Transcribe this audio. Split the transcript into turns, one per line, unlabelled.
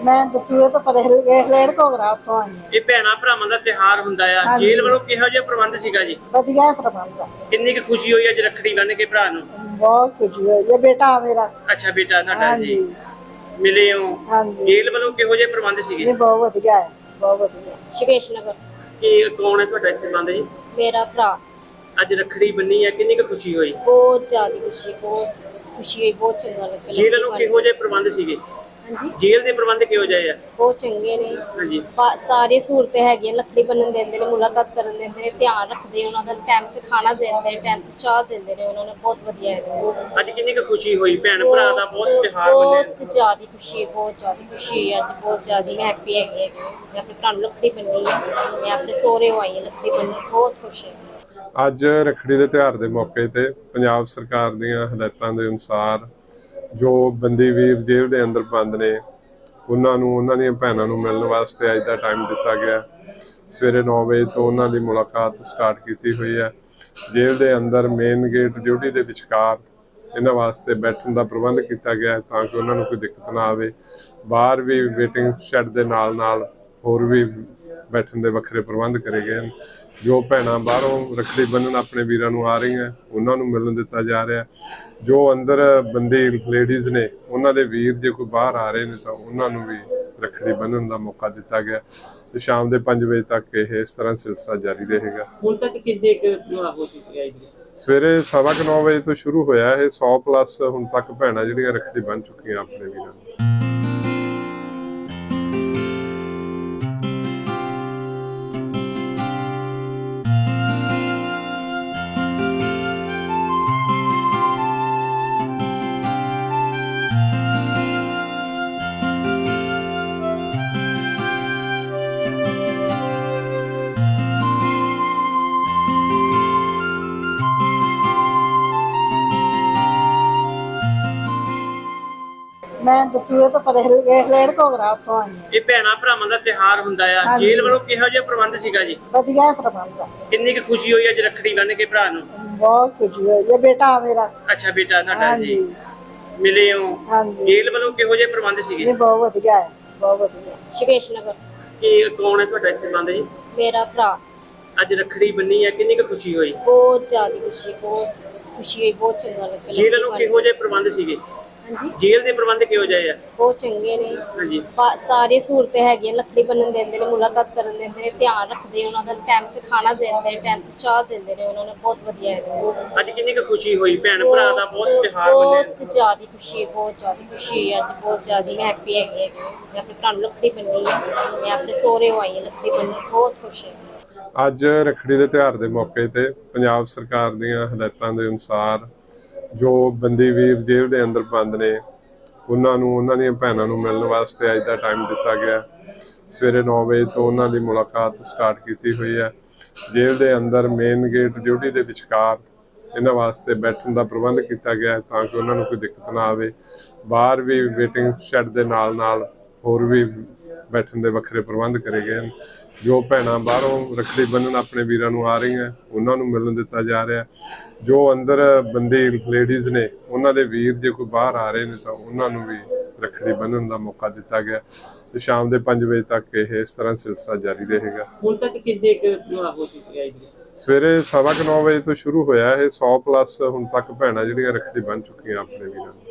ਮੈਂ ਦਸੂਏ ਤੋਂ ਪਰੇ ਹਲੇੜ ਘੋਗਰਾ ਉੱਥੋਂ ਆਈ ਹਾਂ।
ਇਹ ਭੈਣਾਂ ਭਰਾਵਾਂ ਦਾ ਤਿਉਹਾਰ ਹੁੰਦਾ ਆ।
ਹਾਂਜੀ।
ਜੇਲ੍ਹ ਵੱਲੋਂ ਕਿਹੋ ਜਿਹਾ ਪ੍ਰਬੰਧ ਸੀਗਾ ਜੀ?
ਵਧੀਆ ਪ੍ਰਬੰਧ ਆ।
ਕਿੰਨੀ ਕੁ ਖੁਸ਼ੀ ਹੋਈ ਅੱਜ ਰੱਖੜੀ ਬੰਨ੍ਹ ਕੇ ਭਰਾ ਨੂੰ?
ਬਹੁਤ ਖੁਸ਼ੀ ਹੋਈ ਹੈ, ਬੇਟਾ ਮੇਰਾ।
ਅੱਛਾ, ਬੇਟਾ ਤੁਹਾਡਾ ਜੀ।
ਹਾਂਜੀ
ਮਿਲੇ ਹੋ?
ਹਾਂਜੀ।
ਜੇਲ੍ਹ ਵੱਲੋਂ ਕਿਹੋ ਜਿਹੇ ਪ੍ਰਬੰਧ ਸੀਗੇ?
ਨਹੀਂ, ਬਹੁਤ ਵਧੀਆ ਹੈ, ਬਹੁਤ ਵਧੀਆ।
ਸ਼ਿਵੇਸ਼ ਨਗਰ।
ਕੀ ਕੌਣ ਹੈ ਤੁਹਾਡਾ ਇੱਥੇ ਬੰਦ ਜੀ?
ਮੇਰਾ ਭਰਾ।
ਅੱਜ ਰੱਖੜੀ ਬੰਨੀ ਹੈ, ਕਿੰਨੀ ਕੁ ਖੁਸ਼ੀ ਹੋਈ?
ਬਹੁਤ ਜ਼ਿਆਦਾ ਖੁਸ਼ੀ, ਬਹੁਤ ਖੁਸ਼ੀ ਹੋਈ, ਬਹੁਤ ਚੰਗਾ ਲੱਗਾ।
ਜੇਲ੍ਹ ਵੱਲੋਂ ਕਿਹੋ ਜਿਹੇ ਪ੍ਰਬੰਧ ਸੀਗੇ?
ਹਾਂਜੀ,
ਜੇਲ੍ਹ ਦੇ ਪ੍ਰਬੰਧ ਕਿਹੋ ਜਿਹੇ ਆ?
ਬਹੁਤ ਚੰਗੇ ਨੇ।
ਹਾਂਜੀ।
ਸਾਰੀ ਸਹੂਲਤਾਂ ਹੈਗੀਆਂ, ਲੱਕੜੀ ਬੰਨਣ ਦਿੰਦੇ ਨੇ, ਮੁਲਾਕਾਤ ਕਰਨ ਦਿੰਦੇ ਨੇ, ਧਿਆਨ ਰੱਖਦੇ ਉਹਨਾਂ ਦਾ, ਟਾਈਮ ਸੇ ਖਾਣਾ ਦਿੰਦੇ ਨੇ, ਟਾਈਮ ਸੇ ਚਾਹ ਦਿੰਦੇ ਨੇ, ਉਹਨਾਂ ਨੇ ਬਹੁਤ ਵਧੀਆ ਹੈ।
ਅੱਜ ਕਿੰਨੀ ਕੁ ਖੁਸ਼ੀ ਹੋਈ? ਭੈਣ ਭਰਾ ਦਾ ਬਹੁਤ ਤਿਉਹਾਰ ਮੰਨਿਆ।
ਬਹੁਤ ਜ਼ਿਆਦਾ ਖੁਸ਼ੀ, ਬਹੁਤ ਜ਼ਿਆਦਾ ਖੁਸ਼ੀ ਹੈ। ਅੱਜ ਬਹੁਤ ਜ਼ਿਆਦਾ ਮੈਂ ਹੈਪੀ ਹੈਗੀ ਹਾਂ। ਮੈਂ ਆਪਣੇ ਭਰਾ ਨੂੰ ਲੱਕੜੀ ਬੰਨੀ ਹੈ, ਮੈਂ ਆਪਣੇ ਸਹੁਰੇ ਆਈ ਹਾਂ ਲੱਕੜੀ ਬੰਨਣ, ਬਹੁਤ ਖੁਸ਼ ਹਾਂ।
ਅੱਜ ਰੱਖੜੀ ਦੇ ਤਿਉਹਾਰ ਦੇ ਮੌਕੇ ਤੇ ਪੰਜਾਬ ਸਰਕਾਰ ਦੀਆਂ ਹਦਾਇਤਾਂ ਦੇ ਅਨੁਸਾਰ ਜੋ ਬੰਦੀ ਵੀਰ ਜੇਲ੍ਹ ਦੇ ਅੰਦਰ ਬੰਦ ਨੇ ਉਹਨਾਂ ਨੂੰ ਉਹਨਾਂ ਦੀਆਂ ਭੈਣਾਂ ਨੂੰ ਮਿਲਣ ਵਾਸਤੇ ਅੱਜ ਦਾ ਟਾਈਮ ਦਿੱਤਾ ਗਿਆ। ਸਵੇਰੇ 9 ਵਜੇ ਤੋਂ ਉਹਨਾਂ ਦੀ ਮੁਲਾਕਾਤ ਸਟਾਰਟ ਕੀਤੀ ਹੋਈ ਹੈ। ਜੇਲ੍ਹ ਦੇ ਅੰਦਰ ਮੇਨ ਗੇਟ ਡਿਊਟੀ ਦੇ ਵਿਚਕਾਰ ਇਹਨਾਂ ਵਾਸਤੇ ਬੈਠਣ ਦਾ ਪ੍ਰਬੰਧ ਕੀਤਾ ਗਿਆ ਤਾਂ ਕਿ ਉਹਨਾਂ ਨੂੰ ਕੋਈ ਦਿੱਕਤ ਨਾ ਆਵੇ। ਬਾਹਰ ਵੀ ਵੇਟਿੰਗ ਸ਼ੈੱਡ ਦੇ ਨਾਲ ਹੋਰ ਵੀ ਬੈਠਣ ਦੇ ਵੱਖਰੇ ਪ੍ਰਬੰਧ ਕਰੇ ਗਏ ਹਨ। ਜੋ ਭੈਣਾਂ ਬਾਹਰੋਂ ਰੱਖੜੀ ਬੰਨ੍ਹਣ ਆਪਣੇ ਵੀਰਾਂ ਨੂੰ ਆ ਰਹੀਆਂ ਉਹਨਾਂ ਨੂੰ ਮਿਲਣ ਦਿੱਤਾ ਜਾ ਰਿਹਾ। ਜੋ ਅੰਦਰ ਬੰਦੀ ਲੇਡੀਜ਼ ਨੇ ਉਹਨਾਂ ਦੇ ਵੀਰ ਜੇ ਕੋਈ ਬਾਹਰ ਆ ਰਹੇ ਨੇ ਤਾਂ ਉਹਨਾਂ ਨੂੰ ਵੀ ਰੱਖੜੀ ਬੰਨ੍ਹਣ ਦਾ ਮੌਕਾ ਦਿੱਤਾ ਗਿਆ ਤੇ ਸ਼ਾਮ ਦੇ 5 ਵਜੇ ਤੱਕ ਇਹ ਇਸ ਤਰ੍ਹਾਂ ਸਿਲਸਿਲਾ ਜਾਰੀ ਰਹੇਗਾ।
ਹੁਣ ਤੱਕ ਕਿੰਨੇ ਹੋ ਚੁੱਕੇ ਆ ਜੀ?
ਸਵੇਰੇ 9:15 ਵਜੇ ਤੋਂ ਸ਼ੁਰੂ ਹੋਇਆ ਇਹ 100+ ਹੁਣ ਤੱਕ ਭੈਣਾਂ ਜਿਹੜੀਆਂ ਰੱਖੜੀ ਬੰਨ੍ਹ ਚੁੱਕੀਆਂ ਆਪਣੇ ਵੀਰਾਂ ਨੂੰ।
ਮੈਂ ਦਸੂਏ ਤੋਂ ਪਰੇ ਹਲੇੜ ਘੋਗਰਾ ਉੱਥੋਂ ਆਈ ਹਾਂ।
ਇਹ ਭੈਣਾਂ ਭਰਾਵਾਂ ਦਾ ਤਿਉਹਾਰ ਹੁੰਦਾ ਆ।
ਹਾਂਜੀ।
ਜੇਲ੍ਹ ਵੱਲੋਂ ਕਿਹੋ ਜਿਹਾ ਪ੍ਰਬੰਧ ਸੀਗਾ ਜੀ?
ਵਧੀਆ ਪ੍ਰਬੰਧ ਆ।
ਕਿੰਨੀ ਕੁ ਖੁਸ਼ੀ ਹੋਈ ਅੱਜ ਰੱਖੜੀ ਬੰਨ੍ਹ ਕੇ ਭਰਾ ਨੂੰ?
ਬਹੁਤ ਖੁਸ਼ੀ ਹੋਈ ਹੈ, ਬੇਟਾ ਮੇਰਾ।
ਅੱਛਾ, ਬੇਟਾ ਤੁਹਾਡਾ ਜੀ।
ਹਾਂਜੀ
ਮਿਲੇ ਹੋ?
ਹਾਂਜੀ।
ਜੇਲ੍ਹ ਵੱਲੋਂ ਕਿਹੋ ਜਿਹੇ ਪ੍ਰਬੰਧ ਸੀਗੇ?
ਨਹੀਂ, ਬਹੁਤ ਵਧੀਆ ਹੈ, ਬਹੁਤ ਵਧੀਆ।
ਸ਼ਿਵੇਸ਼ ਨਗਰ।
ਕੀ ਕੌਣ ਹੈ ਤੁਹਾਡਾ ਇੱਥੇ ਬੰਦ ਜੀ?
ਮੇਰਾ ਭਰਾ।
ਅੱਜ ਰੱਖੜੀ ਬੰਨੀ ਹੈ, ਕਿੰਨੀ ਕੁ ਖੁਸ਼ੀ ਹੋਈ?
ਬਹੁਤ ਜ਼ਿਆਦਾ ਖੁਸ਼ੀ, ਬਹੁਤ ਖੁਸ਼ੀ ਹੋਈ, ਬਹੁਤ ਚੰਗਾ ਲੱਗਾ।
ਜੇਲ੍ਹ ਵੱਲੋਂ ਕਿਹੋ ਜਿਹੇ ਪ੍ਰਬੰਧ ਸੀਗੇ?
ਹਾਂਜੀ,
ਜੇਲ੍ਹ ਦੇ ਪ੍ਰਬੰਧ ਕਿਹੋ ਜਿਹੇ ਆ?
ਬਹੁਤ ਚੰਗੇ ਨੇ।
ਹਾਂਜੀ।
ਸਾਰੀ ਸਹੂਲਤਾਂ ਹੈਗੀਆਂ, ਲੱਕੜੀ ਬੰਨਣ ਦਿੰਦੇ ਨੇ, ਮੁਲਾਕਾਤ ਕਰਨ ਦਿੰਦੇ ਨੇ, ਧਿਆਨ ਰੱਖਦੇ ਉਹਨਾਂ ਦਾ, ਟਾਈਮ ਸੇ ਖਾਣਾ ਦਿੰਦੇ ਨੇ, ਟਾਈਮ ਸੇ ਚਾਹ ਦਿੰਦੇ ਨੇ, ਉਹਨਾਂ ਨੇ ਬਹੁਤ ਵਧੀਆ ਹੈ।
ਅੱਜ ਕਿੰਨੀ ਕੁ ਖੁਸ਼ੀ ਹੋਈ? ਭੈਣ ਭਰਾ ਦਾ ਬਹੁਤ ਤਿਉਹਾਰ ਮੰਨਿਆ।
ਬਹੁਤ ਜ਼ਿਆਦਾ ਖੁਸ਼ੀ, ਬਹੁਤ ਜ਼ਿਆਦਾ ਖੁਸ਼ੀ ਹੈ। ਅੱਜ ਬਹੁਤ ਜ਼ਿਆਦਾ ਮੈਂ ਹੈਪੀ ਹੈਗੀ ਹਾਂ। ਮੈਂ ਆਪਣੇ ਭਰਾ ਨੂੰ ਲੱਕੜੀ ਬੰਨੀ ਹੈ, ਮੈਂ ਆਪਣੇ ਸਹੁਰੇ ਆਈ ਹਾਂ ਲੱਕੜੀ ਬੰਨਣ, ਬਹੁਤ ਖੁਸ਼ ਹਾਂ।
ਅੱਜ ਰੱਖੜੀ ਦੇ ਤਿਉਹਾਰ ਦੇ ਮੌਕੇ ਤੇ ਪੰਜਾਬ ਸਰਕਾਰ ਦੀਆਂ ਹਦਾਇਤਾਂ ਦੇ ਅਨੁਸਾਰ ਜੋ ਬੰਦੀ ਵੀਰ ਜੇਲ੍ਹ ਦੇ ਅੰਦਰ ਬੰਦ ਨੇ ਉਹਨਾਂ ਨੂੰ ਉਹਨਾਂ ਦੀਆਂ ਭੈਣਾਂ ਨੂੰ ਮਿਲਣ ਵਾਸਤੇ ਅੱਜ ਦਾ ਟਾਈਮ ਦਿੱਤਾ ਗਿਆ। ਸਵੇਰੇ 9 ਵਜੇ ਤੋਂ ਉਹਨਾਂ ਦੀ ਮੁਲਾਕਾਤ ਸਟਾਰਟ ਕੀਤੀ ਹੋਈ ਹੈ। ਜੇਲ੍ਹ ਦੇ ਅੰਦਰ ਮੇਨ ਗੇਟ ਡਿਊਟੀ ਦੇ ਵਿਚਕਾਰ ਇਹਨਾਂ ਵਾਸਤੇ ਬੈਠਣ ਦਾ ਪ੍ਰਬੰਧ ਕੀਤਾ ਗਿਆ ਤਾਂ ਕਿ ਉਹਨਾਂ ਨੂੰ ਕੋਈ ਦਿੱਕਤ ਨਾ ਆਵੇ। ਬਾਹਰ ਵੀ ਵੇਟਿੰਗ ਸ਼ੈੱਡ ਦੇ ਨਾਲ ਹੋਰ ਵੀ ਬੈਠਣ ਦੇ ਵੱਖਰੇ ਪ੍ਰਬੰਧ ਕਰੇ ਗਏ ਹਨ। ਜੋ ਭੈਣਾਂ ਬਾਹਰੋਂ ਰੱਖੜੀ ਬੰਨ੍ਹਣ ਆਪਣੇ ਵੀਰਾਂ ਨੂੰ ਆ ਰਹੀਆਂ ਉਹਨਾਂ ਨੂੰ ਮਿਲਣ ਦਿੱਤਾ ਜਾ ਰਿਹਾ। ਜੋ ਅੰਦਰ ਬੰਦੀ ਲੇਡੀਜ਼ ਨੇ ਉਹਨਾਂ ਦੇ ਵੀਰ ਜੇ ਕੋਈ ਬਾਹਰ ਆ ਰਹੇ ਨੇ ਤਾਂ ਉਹਨਾਂ ਨੂੰ ਵੀ ਰੱਖੜੀ ਬੰਨ੍ਹਣ ਦਾ ਮੌਕਾ ਦਿੱਤਾ ਗਿਆ ਤੇ ਸ਼ਾਮ ਦੇ 5 ਵਜੇ ਤੱਕ ਇਹ ਇਸ ਤਰ੍ਹਾਂ ਸਿਲਸਿਲਾ ਜਾਰੀ ਰਹੇਗਾ।
ਹੁਣ ਤੱਕ ਕਿੰਨੇ ਹੋ ਚੁੱਕੇ ਆ ਜੀ?
ਸਵੇਰੇ 9:15 ਵਜੇ ਤੋਂ ਸ਼ੁਰੂ ਹੋਇਆ ਇਹ 100+ ਹੁਣ ਤੱਕ ਭੈਣਾਂ ਜਿਹੜੀਆਂ ਰੱਖੜੀ ਬੰਨ੍ਹ ਚੁੱਕੀਆਂ ਆਪਣੇ ਵੀਰਾਂ ਨੂੰ।